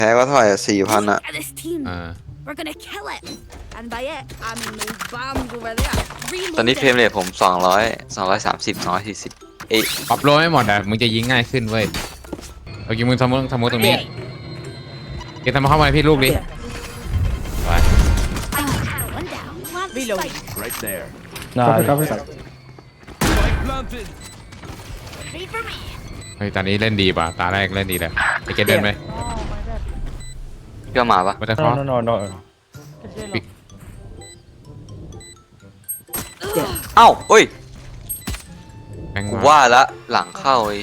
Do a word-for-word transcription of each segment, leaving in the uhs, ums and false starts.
พ้ก็เท่าไหร่สี่พัน Look อะ at this team. อ่า We're gonna kill it. And by it, I mean those bombs over there. ตอนนี้เฟรม Reloading. เรทผมสองร้อยสองร้อยสามสิบสองร้อยสี่สิบเอ๊ะปรับโลไม่หมดอ่ะมึงจะยิงง่ายขึ้นเว้ยเอากินมึงทำมึงทำมึงตรงนี้เกมทำมาเข้ามาให้พี่ลูกดิไป One down. Plant the Reloading. spike. Right there. Cover, cover. Spike planted. Ready for me. เฮ้ยตอนนี้เล่นดีป่ะตาแรกเล่นดีเลยไอเกมเดินไหมเพื่อมาปะมาแต่คอ No, no, no, no. เอ้าเอ้ยแม่งกูมาว่าละหลังเข้าไอ้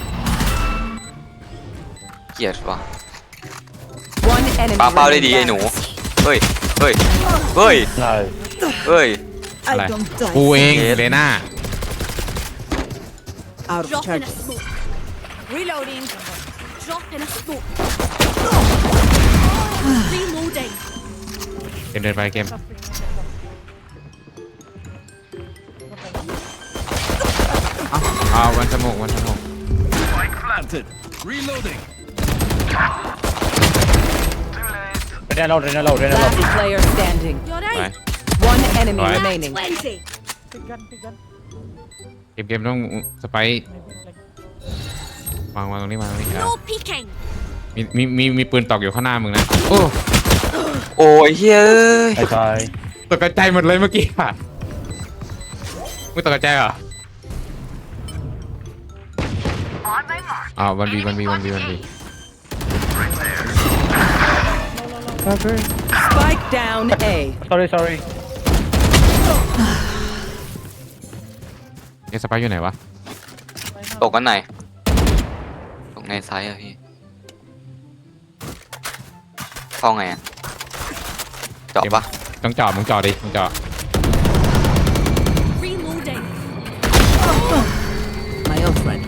เหี้ยเกลียดว่ะ One enemy ปาเป้าได้ดีไอ้หนู เฮ้ย เฮ้ย เฮ้ย Nice. เฮ้ยอะไร I don't die. กูเองเกมเลน่า Out of Drop in a charges. smoke. Reloading. Drop in a smoke. Reloading. เกมเดินไปเกมเอาวันสมุกวันสมุก Spike planted. Reloading. Rena low, Rena low, Rena low. Last player standing. You're ไป right. One enemy Right. remaining. Plenty. เกมเกมต้องสไปร์วางวางตรงนี้วางตรงนี้เอา No peeking. มีมีมีมีปืนตอกอยู่ข้างหน้ามึงนะโอ้โอ้ยเฮ้ย I try. ตกใจหมดเลยเมื่อกี้ค่ะมึงตกใจเหรออ้าววันบีวันบีวันบีวันบี Cover. Spike down A. Sorry, sorry. เอสไปร์อยู่ไหนวะตกกันไหนตกในไซส์อะพี่เข้าไงอะเจาะปะต้องจอดมึงจอดดิมึงจอด Reloading. My old friend.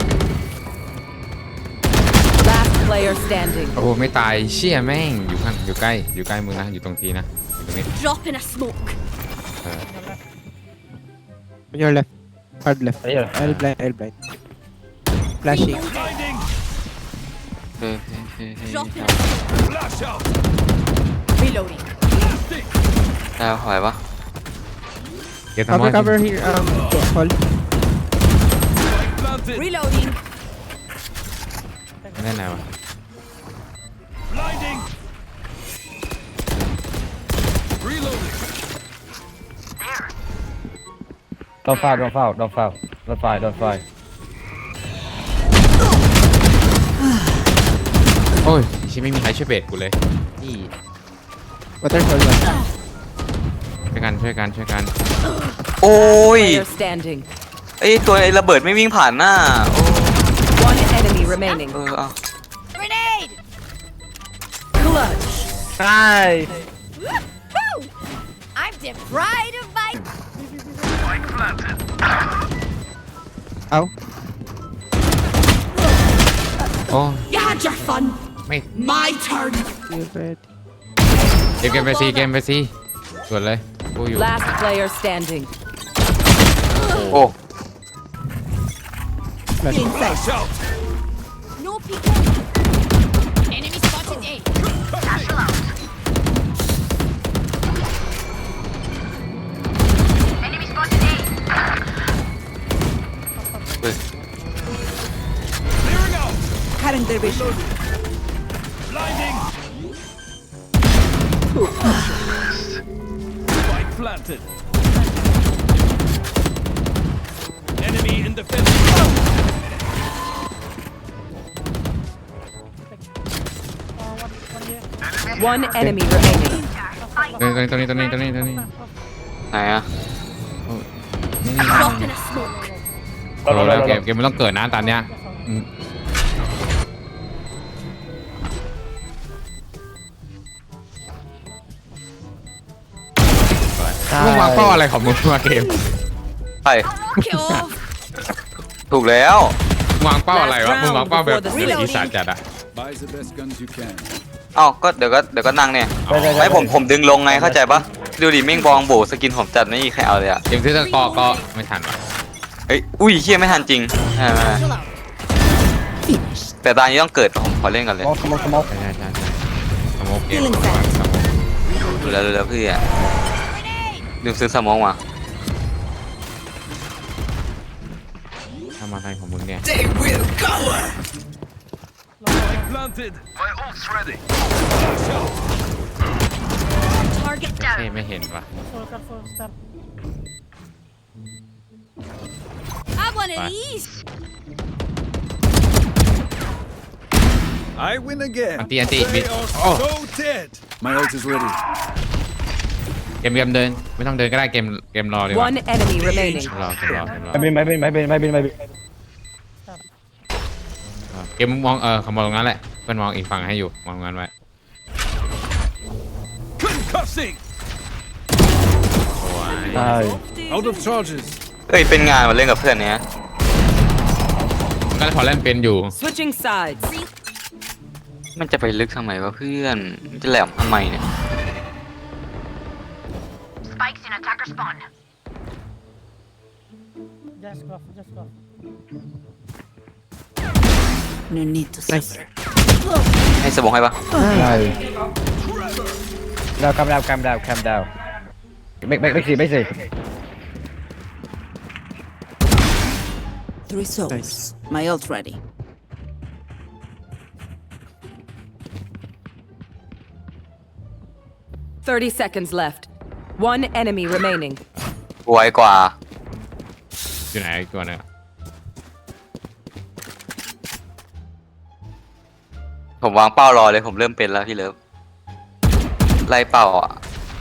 Last player standing. โอ้โหไม่ตายเชี่ยแม่งอยู่ข้างอยู่ใกล้อยู่ใกล้มึงนะอยู่ตรงทีนะอยู่ตรงนี้ Drop in a smoke. เออ On your left. Hard left. Here. L blind, L blind. Flashing. Blinding. เฮ้ยเฮ้ยเฮ้ยเฮ้ย Drop in a smoke. Flash out. Reloading. Blasting. ได้ไหวปะเกมทำ Cover, ว่า cover here. Um, fall. Spike planted. Reloading. ไม่ได้ไหนวะ Blinding. Reloading. Don't foul, don't foul, don't foul. Don't fight, don't fight. โอ้ยชิไม่มีใครช่วยเบรกกูเลยนี่ Waterfall one. ช่วยกันช่วยกันช่วยกันโอ้ย Player standing. ไอ้ตัวไอ้ระเบิดไม่วิ่งผ่านหน้าโอ้ One enemy remaining. เออเอา Grenade. Clutch. Nice. Woo! I'm the pride of my. Ow. โอ้ You had your fun. ไม่ My turn. You ready? เกมเกมไปซีเกมไปซีส่วนเลยกูอยู่ Last player standing. โอ้ Flashing. Flash out. No peeking. Enemy spotted A. Enemy spotted A. เฮ้ย Clearing out. Cutting their vision. Blinding. Spike planted. Enemy in the fence. One enemy remaining. ตัวนี้ตัวนี้ตัวนี้ตัวนี้ตัวนี้ไหนอะนี่ Drop in a smoke. โอ้แล้วเกมเกมมันต้องเกิดนะตอนเนี้ยอืมมึงวางเป้าอะไรของมึงมาเกมใช่ Knock it off. ถูกแล้วมึงวางเป้าอะไรวะมึงวางเป้าแบบอีสานจัดอะ Buy the best guns you can. เอ้าก็เดี๋ยวก็เดี๋ยวก็นั่งเนี่ยไอ้ผมผมดึงลงไงเข้าใจปะดูดิเม่งบองโบสกินผมจัดไม่มีใครเอาเลยอะเกมที่ตะกอก็ไม่ทันว่ะเอ้ยอุ้ยเฮียไม่ทันจริงไม่ไม่ไม่ Chill out. แต่ตอนนี้ต้องเกิดผมขอเล่นกันเลย Come on, come on, come on. ใช่ใช่ใช่เกมวางสมองดูแล้วดูแล้วพี่อ่ะลืมซื้อสมองมาทำอะไรของมึงเนี่ย Spike planted. My ult's ready. Flash out. Target เท่ down. ไม่เห็นปะ Have one of Bye. these. I win again. อันตีอันตีบิ They ด are โอ้ so dead. My ult is ready. เกมเกมเดินไม่ต้องเดินก็ได้เกมเกมรอดีกว่า One enemy remaining. รอเกมรอเกมรอไม่บินไม่บินไม่บินไม่บินไม่บินเกมมองเออเขามองตรงนั้นแหละเพื่อนมองอีกฝั่งให้อยู่มองตรงนั้นไว้ Concussing. โอ้ยใช่ Out of charges. เอ้ยเป็นงานมาเล่นกับเพื่อนเนี้ยมันก็พอเล่นเป็นอยู่ Switching sides. มันจะไปลึกทำไมวะเพื่อนมันจะแหลมทำไมเนี่ย Spikes in attacker spawn. No need to Nice. ให้สมองให้ปะใช่ดาวคำดาวคำดาวคำดาวไม่ไม่ไม่สิไม่สิ Three souls. Nice. My ult ready. Thirty seconds left. One enemy remaining. ไวกว่าอยู่ไหนอีกตัวหนึงผมวางเป้ารอเลยผมเริ่มเป็นแล้วพี่เลิฟไล่เป้าอ่ะ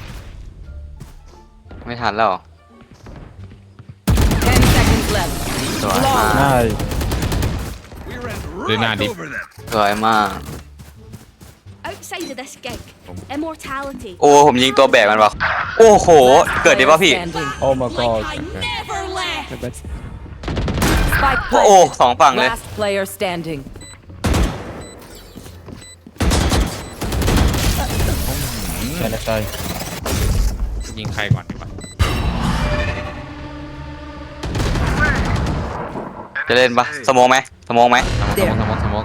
ไม่ทันแล้ว Ten seconds left. สวยมากใช่ We ran They're not right deep. over them. สวยมาก Outside of this gig, immortality. โอ้ผมยิงตัวแบกมันวะโอ้โห เกิดได้ป่ะพี่ Standing. โอ้ my god Like I never left. My bad. Spike โอ้ planted. สองฝั่งเลย Last player standing. ใช่ใช่ยิงใครก่อนดีกว่าจะเล่นปะสมองไหมสมองไหมสมองสมองสมอง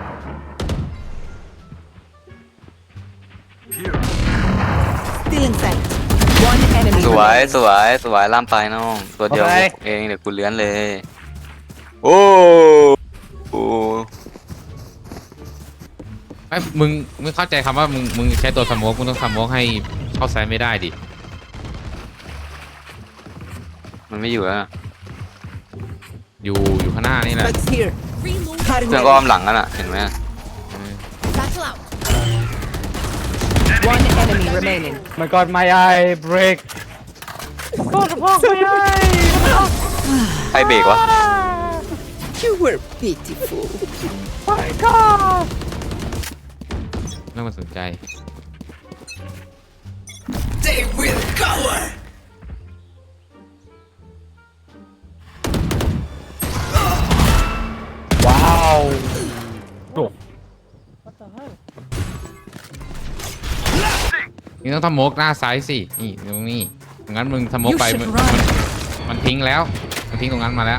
Still in sight. One enemy สวย remaining. สวยสวยล่ามไปน้องตัวเดียวเองเดี๋ยวกูเลื้อนเลย โอ้โหไอ้ยมึงมึงเข้าใจคำว่ามึงมึงใช้ตัวสมองมึงต้องสมองให้เข้าไซส์ไม่ได้ดิมันไม่อยู่แล้วนะอยู่อยู่ข้างหน้านี่แหละ Spikes here. Reload. Cutting เพื่อนก็อ้อ ready. มหลังกันอ่ะเห็นไหม Battle out. One enemy remaining. my god my eye break ใครเบรกวะ You were pitiful. ไม่มาสนใจ They will cower. ว้าวโอ้นี่ต้องทำโมกหน้าซ้ายสินี่ตรงนี้งั้นมึงทำโมก You ไป should มัน run. มันมันทิ้งแล้วมันทิ้งตรงนั้นมาแล้ว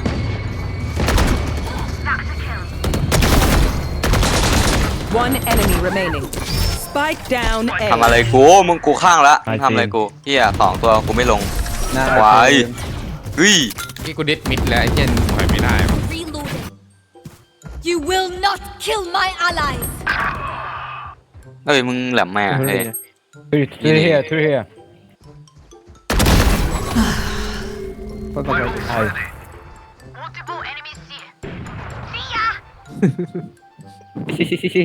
One enemy remaining. Spike down ทำอะไร A. กูมึงกูข้างละมึงทำอะไรกูเฮียสองตัวกูไม่ลงน่าไว้ เฮ้ยนี่กูดิสมิดแล้วไอ้เจนถอยไม่ได้วะ Reloading. You will not kill my allies. เฮ้ยมึงแหลมแม่เฮ้ย three three here three here Fuck off, right. ใช่ Multiple enemies here. See ya. ซีซีซีซี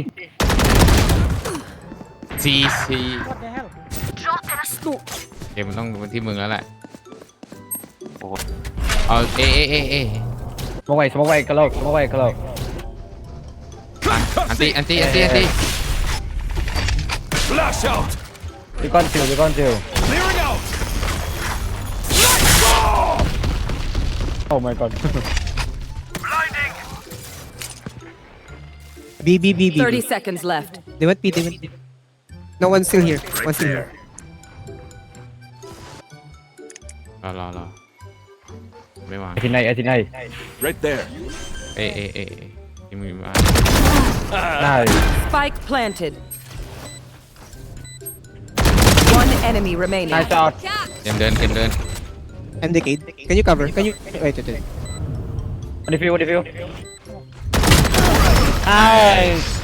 ซีซี Drop in a smoke. เกมมันต้องเป็นที่มึงแล้วแหละโอ้โหเอาเอเอเอเอสมองไว้สมองไว้กระโหลกสมองไว้กระโหลกอันตีอันตีอันตีอันตี Flash out. ดีก้อนจิวดีก้อนจิว Clearing out. oh my god Blinding. B, B, B, B. Thirty seconds left. They went B, they went B. No, one's still here. One's still here. รอรอรอไม่วางไอที่ไหนไอที่ไหน Right there. เอเอเอเอที่มึงมาได้ Spike planted. enemy remaining. Nice shot. เตรียมเดินเตรียมเดิน I'm decade. Can you cover? Can you wait wait wait. Defuse defuse. Nice.